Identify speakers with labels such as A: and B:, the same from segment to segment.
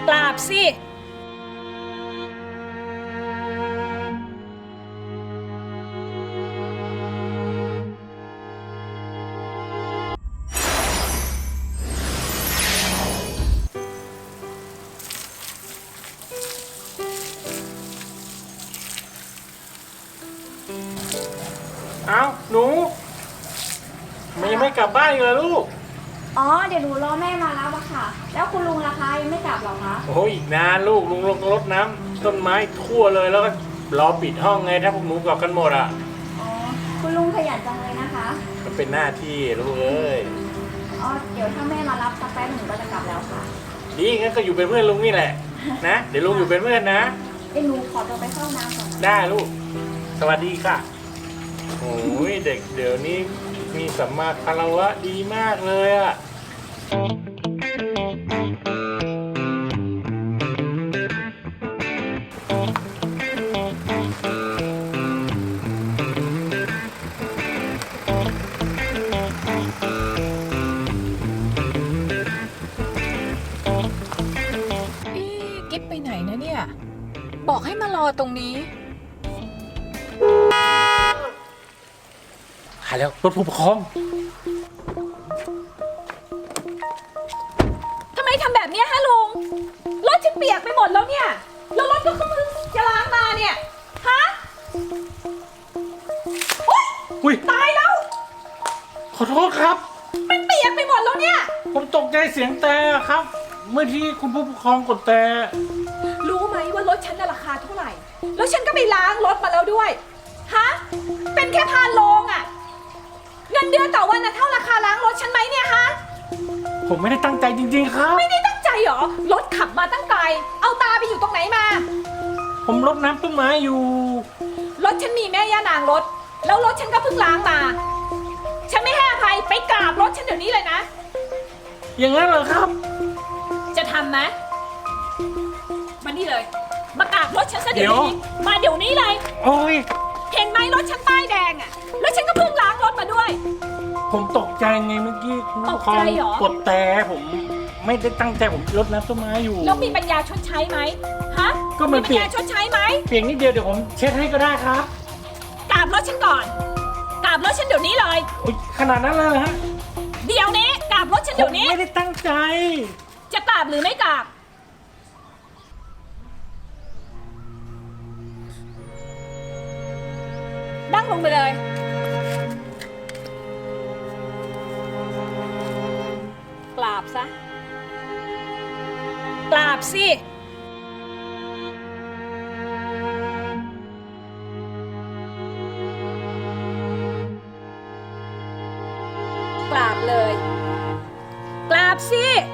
A: กราบสิ
B: เอาหนูมันยังไม่กลับบ้านอีกเลยลูก
C: อ๋อเดี๋ยวหนูรอแม่มารับอะค่ะ แล้วคุณลุงล่ะคะยังไม่กลับหรอคะ
B: โอ้ยอีกนานลูกลุงลงรดน้ำต้นไม้ทั่วเลยแล้วก็รอปิดห้องไงถ้าพวกหนูกลับกันหมดอ่ะ
C: อ๋อคุณลุงขยันจังเลยนะคะ
B: มันเป็นหน้าที่ลูกเอ้ย
C: อ๋อเดี๋ยวถ้าแม่มารับสักแป๊บหนูก็จะกลับแล้วค่ะ
B: ดีงั้นก็อยู่เป็นเพื่อนลุงนี่แหละนะเดี๋ยวลุงอยู่เป็นเพื่อนนะ
C: เดี๋ยวหนูขอตัวไปเข้าน้ำก่อนนะ
B: ได้ลูกสวัสดีค่ะโอ้ยเด็กเดี๋ยวนี้มีสัมมาคารวะดีมากเลยอ่ะ
A: กิ๊บไปไหนนะเนี่ยบอกให้มารอตรงนี้
B: หาแล้วรถผู้ปกครอง
A: ทำไมทำแบบนี้ฮะลุง รถฉันเปียกไปหมดแล้วเนี่ย แล้วรถก็เพิ่งจะล้างมาเนี่ย ฮะโอ๊ย
B: อุ้ย
A: ตายแล้ว
B: ขอโทษครับ
A: มันเปียกไปหมดแล้วเนี่ย
B: ผมตกใจเสียงแต่ครับ เมื่อที่คุณผู้ปกครองกดแต่
A: รู้ไหมว่ารถฉันน่ะราคาเท่าไหร่ แล้วฉันก็ไปล้างรถมาแล้วด้วย ฮะ เป็นแค่พานโลงอะเงินเดือนต่อวันน่ะเท่าราคาล้างรถฉันไหมเนี่ยฮะ
B: ผมไม่ได้ตั้งใจจริงๆครับ
A: ไม่ได้ตั้งใจเหรอ รถขับมาตั้งไกล เอาตาไปอยู่ตรงไหนมา
B: ผมรดน้ำต้นไม้อยู่
A: รถฉันมีแม่ย่านางรถ แล้วรถฉันก็เพิ่งล้างมา ฉันไม่ให้อภัย ไปกราบรถฉันเดี๋ยวนี้เลยนะ
B: อย่างนั้นเหรอครับ
A: จะทำไหมมานี่เลย มากราบรถฉันซะเดี๋ยวนี้ มาเดี๋ยวนี้เลย
B: โอ้ย
A: เห็นไหมรถฉันป้ายแดงอะแล้วฉันก็เพิ่งล้างรถมาด้วย
B: ผมตกใจไงเมื่อกี้คุณผู้ปกคร
A: ต
B: อง
A: กใจเหรอ
B: กดแต่ผมไม่ได้ตั้งใจผมรดน้ำต้นไม้อยู่
A: แล้วมีปัญญาชดใช้ไหมฮะ
B: ก็มัน
A: ปัญญาชดใช้ไหม
B: เพียงนิดเดียวเดี๋ยวผมเช็ดให้ก็ได้ครับ
A: กราบรถฉันก่อน กราบรถฉันเดี๋ยวนี้เลย
B: อุ๊ยขนาดนั้นเลยเหรอฮะ
A: เดี๋ยวนี้กราบรถฉัน
B: ผ
A: เดี๋
B: ม
A: ยวนี้
B: ไม่ได้ตั้งใจ
A: จะกราบหรือไม่กราบ นั่งลงไปเลย กราบซะ กราบสิ กราบเลย กราบสิ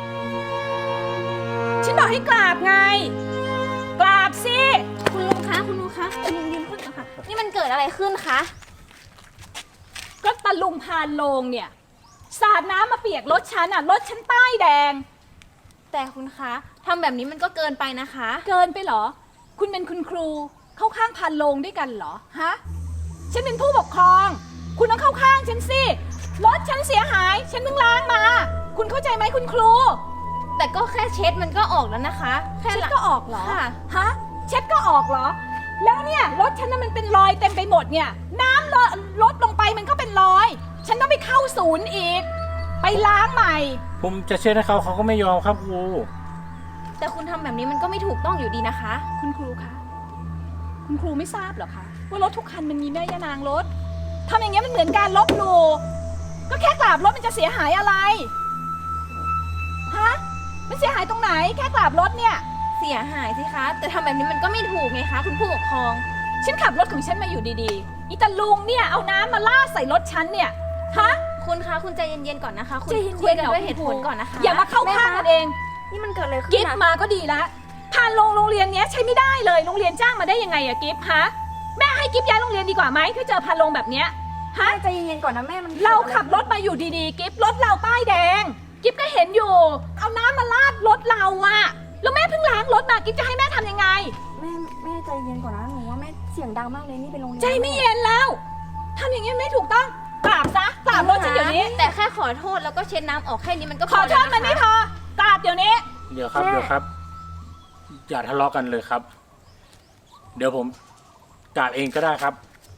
A: ฉันบอกให้กราบไง กราบสิ
C: คุณลุงคะคุณลุงคะคุณลุงยืนขึ้นก่อนค่ะนี่มันเกิดอะไรขึ้นคะ
A: ก็ตะลุมพานโลงเนี่ย สาดน้ำมาเปียกรถฉันอ่ะ รถฉันป้ายแดง
C: แต่คุณคะทำแบบนี้มันก็เกินไปนะคะ
A: เกินไปเหรอ คุณเป็นคุณครู เข้าข้างพานโลงด้วยกันเหรอ ฮะ ฉันเป็นผู้ปกครอง คุณต้องเข้าข้างฉันสิ รถฉันเสียหาย ฉันเพิ่งล้างมา คุณเข้าใจไหมคุณครู
C: แต่ก็แค่เช็ดมันก็ออกแล้วนะคะ แค่
A: เช็ด
C: ละ
A: ก็ออกเหรอ
C: ค่ะ
A: ฮะ เช็ดก็ออกเหรอ แล้วเนี่ยรถฉันน่ะมันเป็นรอยเต็มไปหมดเนี่ย น้ำลดลงไปมันก็เป็นรอย ฉันต้องไปเข้าศูนย์อีก ไปล้างใหม่
B: ผมจะเช็ดให้เขาเขาก็ไม่ยอมครับครู
C: แต่คุณทำแบบนี้มันก็ไม่ถูกต้องอยู่ดีนะคะ
A: คุณครูคะ คุณครูไม่ทราบเหรอคะ ว่ารถทุกคันมันมีแม่ย่านางรถทำอย่างเงี้ยมันเหมือนการลบหลู่ก็แค่กราบรถมันจะเสียหายอะไร ฮะ มันเสียหายตรงไหน แค่กราบรถเนี่ย
C: เสียหายสิคะ แต่ทำแบบนี้มันก็ไม่ถูกไงคะ คุณผู้ปกครอง
A: ฉันขับรถของฉันมาอยู่ดีๆ อีตาลุงเนี่ยเอาน้ำมาลาดใส่รถฉันเนี่ย ฮะ
C: คุณคะคุณใจเย็นๆก่อนนะคะ คุณ
A: ใจเย็นๆ
C: คุยกัน
A: เหรอ
C: ด้วยเหตุผล
A: คุณครู
C: ก่อนนะคะ
A: อย่ามาเข้าข้างกันเอง
C: นี่มันเกิดอะไรขึ้น
A: กิฟ
C: นะ
A: มาก็ดีแล้วผ่านโรงเรียนเนี้ยใช้ไม่ได้เลย โรงเรียนจ้างมาได้ยังไงอะกิฟฮะ แม่ให้กิฟย้ายโรงเรียนดีกว่าไหมถ้าเจอพานโรงแบบเนี้ย ฮะ
C: ใจเย็นๆก่อนนะแม่มัน
A: เราขับรถมาอยู่ดีๆ กิฟรถเราป้ายแดง กิฟก็เห็นอยู่ เอาน้ำมาลาดรถเราอะแล้วแม่เพิ่งล้างรถมากิฟจะให้แม่ทำยังไง
C: แม่ใจเย็นก่อนนะหนูว่าแม่เสียงดังมากเลยนี่เป็นโรงเรียน
A: ใจไม่เย็นแล้วทำอย่างนี้ไม่ถูกต้องกราบซะกราบรถฉันเดี๋ยวนี้
C: แต่แค่ขอโทษแล้วก็เช็ดน้ำออกแค่นี้มันก็
A: ขอโทษมันไม่พอกราบเดี๋ยวนี้
B: เดี๋ยวครับเดี๋ยวครับอย่าทะเลาะกันเลยครับ เดี๋ยวผมกราบเองก็ได้ครับ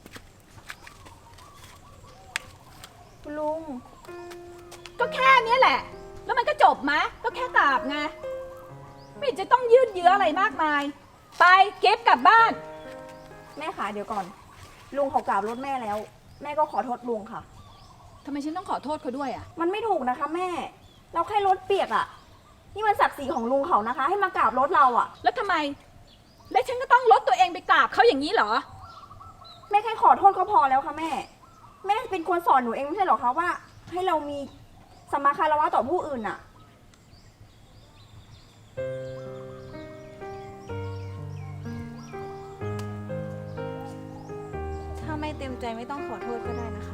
C: คุณลุง
A: ก็แค่เนี้ยแหละ แล้วมันก็จบไหมก็แค่กราบไง ไม่เห็นจะต้องยืดเยื้ออะไรมากมาย ไปเก็บกลับบ้าน
C: แม่ขาเดี๋ยวก่อน ลุงเขากราบรถแม่แล้ว แม่ก็ขอโทษลุงค่ะ
A: ทำไมฉันต้องขอโทษเขาด้วยอ่ะ
C: มันไม่ถูกนะคะแม่ เราแค่รถเปียกอะนี่มันศักดิ์ศรีของลุงเขานะคะ ให้มากราบรถเราอะ
A: แล้วทำไม แล้วฉันก็ต้องลดตัวเองไปกราบเขาอย่างนี้เหรอ
C: แม่แค่ขอโทษก็พอแล้วค่ะแม่ แม่เป็นคนสอนหนูเองไม่ใช่เหรอคะว่า ให้เรามีสัมมาคารวะต่อผู้อื่นอะถ้าไม่เต็มใจไม่ต้องขอโทษก็ได้นะคะ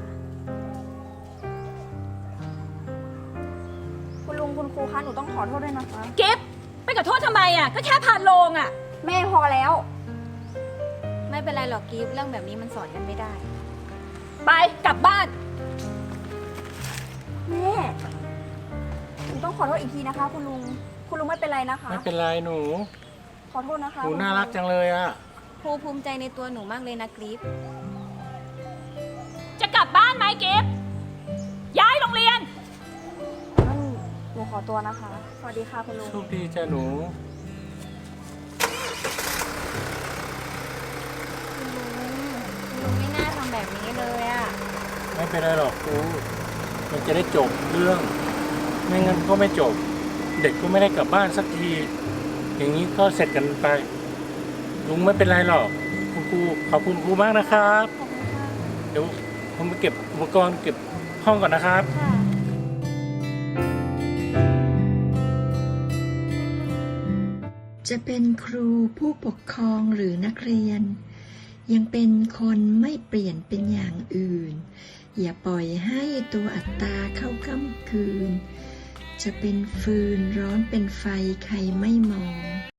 C: คุณลุงคุณครูคะหนูต้องขอโทษด้วยนะคะ
A: เก็บไปขอโทษทำไมอ่ะ ก็แค่ผ่านโลงอ่ะ
C: แม่พอแล้ว
D: ไม่เป็นไรหรอกกิฟต์เรื่องแบบนี้มันสอนกันไม่ได้
A: ไปกลับบ้าน
C: แม่หนูต้องขอโทษอีกทีนะคะ คุณลุง คุณลุงไม่เป็นไรนะคะ
B: ไม่เป็นไรหนู
C: ขอโทษนะคะ
B: หนูน่ารักจังเลยอ่ะ
D: ครูภูมิใจในตัวหนูมากเลยนะกิฟต์
A: จะกลับบ้านไหมเก็บย้ายโรงเรียน
C: งั้นหนูขอตัวนะคะ สวัสดีค่ะคุณลุง
B: โชคดีจ้ะหนู
D: คุณลุงไม่น่าทำแบบนี้เลยอะ
B: ไม่เป็นไรหรอกครูมันจะได้จบเรื่อง ไม่งั้นก็ไม่จบ เด็กก็ไม่ได้กลับบ้านสักที อย่างนี้ก็เสร็จกันไป ลุงไม่เป็นไรหรอกคุณครูขอบคุณครูมากนะครับ
C: ขอบคุณค่ะ
B: เดี๋ยวผมไปเก็บอุปกรณ์เก็บห้องก่อนนะครับ
C: ค่ะ
E: จะเป็นครูผู้ปกครองหรือนักเรียน ยังเป็นคนไม่เปลี่ยนเป็นอย่างอื่น อย่าปล่อยให้ตัวอัตตาเข้าค่ำคืน จะเป็นฟืนร้อนเป็นไฟใครไม่มอง